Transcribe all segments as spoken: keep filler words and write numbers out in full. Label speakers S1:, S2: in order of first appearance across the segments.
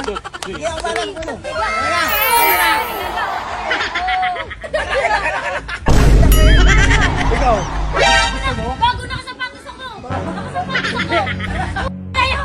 S1: Sige, ako ba lang mo? Ikaw.
S2: Bago nakasapatos ako! Nakasapatos ako! Tayo!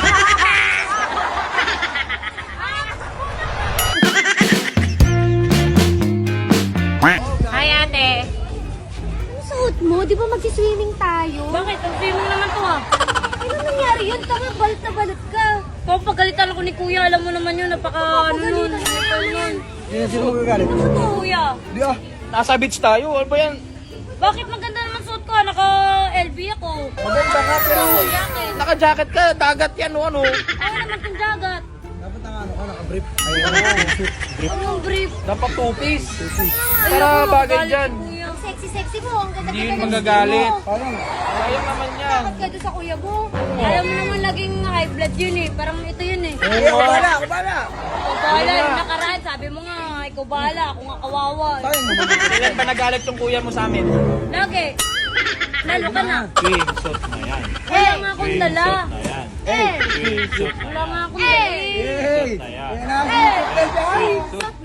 S2: Hi, ate.
S3: Ang suot mo? Di ba magsiswimming tayo?
S2: Bakit? Ang swimming naman to ah.
S3: Ano nangyari yun? Tama, balit na balit ka.
S2: Kung pagalitan ako ni kuya, alam mo naman yun, napaka ano nun. Napaka nun.
S1: Sino sino magagalit?
S2: Ano to, kuya?
S1: Di ah.
S4: Nasa beach tayo. Ano ba yan?
S2: Bakit maganda naman suot ko? Naka-L V ako.
S4: Maganda ka pero
S2: Jacket.
S4: naka-jacket ka. Dagat yan o ano.
S2: Ayaw naman kong jagat.
S1: Dapat ang ano ka, naka-brief. Ay, ano, suit.
S2: Anong brief?
S4: Dapat two-piece.
S2: Ayoko,
S4: Para bagay
S2: galit
S4: dyan.
S2: si kuya.
S3: Ang sexy-sexy mo. Ang ganda-ganda
S4: Hindi yun
S3: ng
S4: magagalit.
S3: skin mo.
S1: Parang,
S4: Sayang naman yan.
S3: Bakit ka doon sa kuya mo?
S2: Ayaw mo naman laging high blood yun eh. Parang ito yun eh.
S1: sige, ako bala, ako bala.
S2: Ikaw bahala, yung nakaraan, sabi mo nga, ikaw bahala, ako nga kawawa. eh.
S1: Sayang naman.
S4: Kailan ba nagalit yung kuya mo sa amin?
S2: Lagi. Lalo ka na.
S4: Screenshot na yan.
S2: Wala nga akong dala.
S4: na yan.
S2: Eh,
S4: Screenshot na
S2: wala nga akong dala. eh.
S1: Hey!
S4: na yan.
S1: Yan na, suit na dyan.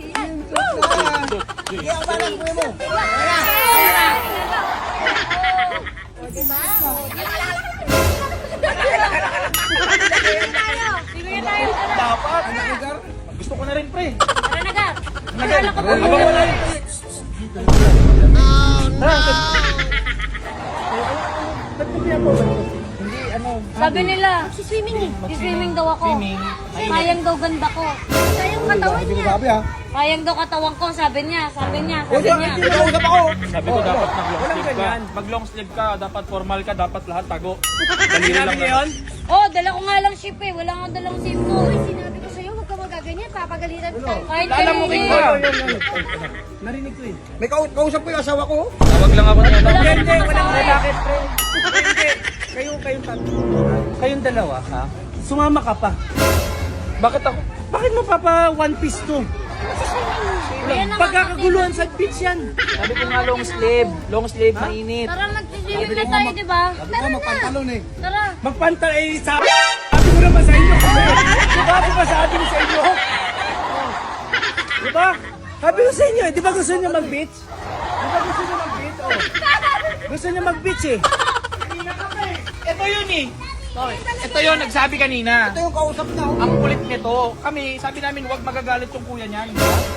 S1: Sige, ako bala, kuya mo.
S2: Sige tayo, tara.
S4: Dapat.
S1: Ano, Edgar?
S4: Gusto ko na rin pre.
S2: Tara na ka. Nagala ka pa.
S4: Abang wala rin.
S1: Hindi, ano.
S2: Sabi nila,
S3: Si swimming eh.
S2: swimming daw ako.
S4: Swimming.
S2: Sayang daw ganda ko.
S3: Sayang katawan
S1: Hindi ko
S3: niya.
S1: sabi ha.
S2: Sayang daw katawan ko, sabi niya, sabi niya,
S1: O,
S2: sabi niya.
S1: hindi kausap ako.
S4: Sabi ko dapat mag-long sleeve ka. Mag-long sleeve ka, dapat formal ka, dapat lahat tago. Dali lang yun?
S2: Oh, dala ko nga lang ship eh. Wala nga dalang ship ko.
S3: Uy, sinabi ko sa'yo, huwag ka magaganyan. Papagalitan tayo.
S2: Kahit
S4: Lala mo
S2: kanina
S4: ka.
S2: eh.
S1: Narinig ko eh. May kau kausap ko yung asawa ko.
S4: Tawag lang ako niya.
S2: Wala
S5: Hindi,
S2: akong
S5: walang
S2: kasama eh.
S5: bakit, pre. Hindi. Kayo, kayong tatlo. Kayong dalawa, ha? Sumama ka pa.
S4: Bakit ako?
S5: Bakit mo papa one piece to?
S2: Ayan naman
S5: Pagkakaguluhan sa beach yan.
S4: Sabi ko nga long sleeve. Long sleeve, mainit.
S2: Tara, mag-swimming na tayo, di ba?
S1: Sabi ko magpantalon eh.
S2: Tara.
S5: Magpanta, eh, sabi, sabi ko naman sa inyo. Di ba ako masabi ko sa inyo? Oh. Di ba? Sabi ko sa inyo, eh, di ba gusto niyo mag-beach? Di ba gusto niyo mag-beach? Oh. Gusto niyo mag-beach eh.
S4: Ito yun eh. Ito yun, nagsabi kanina.
S1: Ito yung kausap na. oh.
S4: Ang kulit nito. Kami, sabi namin, huwag magagalit yung kuya niyan.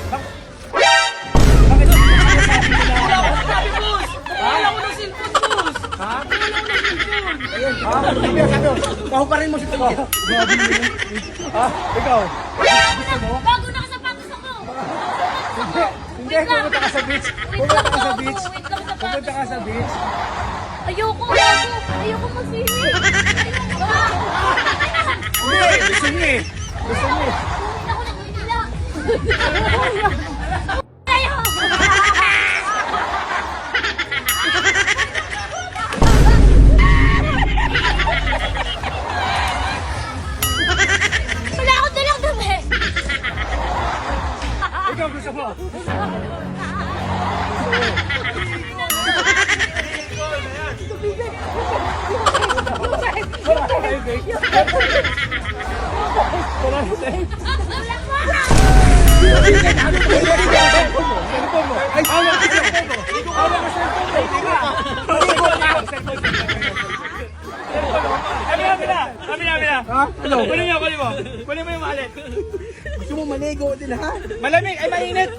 S5: Bakit sinasabi ko na?
S4: Sabi, boss! Wala ko ng cellphone, boss!
S5: Ha?
S1: Ayun. Ah, sabi ko, sabi ko. Pahuparin mo si Tungkit.
S5: Ha? Ikaw?
S2: Bago nakasapatos ako.
S5: Hindi, pumunta ka sa beach. Pumunta ka sa beach.
S2: Wait lang, sapatos
S5: Pumunta ka sa
S2: ko.
S5: beach.
S2: Ayoko, ayoko. Ayoko mag-swimming.
S5: Hindi, gusto niyo eh. Gusto niyo eh.
S2: Ako na kumila. Tayo. Wala akong dalang dumi.
S5: Ikaw gusto mo. Wala ka na yung bake. Wala ka na yung cellphone mo. Ay, hawak ka cellphone mo. Hawak ka cellphone mo. Tika. Maligo ka. Kami na, kami na. Kami na, kami na.
S1: Ha? Ano?
S5: Kunin mo, kunin mo. Kunin mo yung malit.
S1: Gusto mo maligo din ha?
S5: Malamig, ay mainit.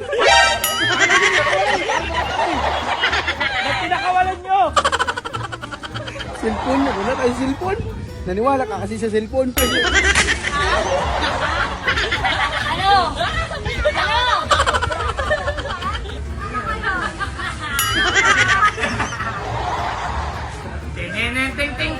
S5: Ba't pinakawalan nyo?
S1: Cellphone. Wala tayong cellphone. Naniwala ka kasi sa cellphone.
S2: Ano? Ano?
S4: Ting ting ting ting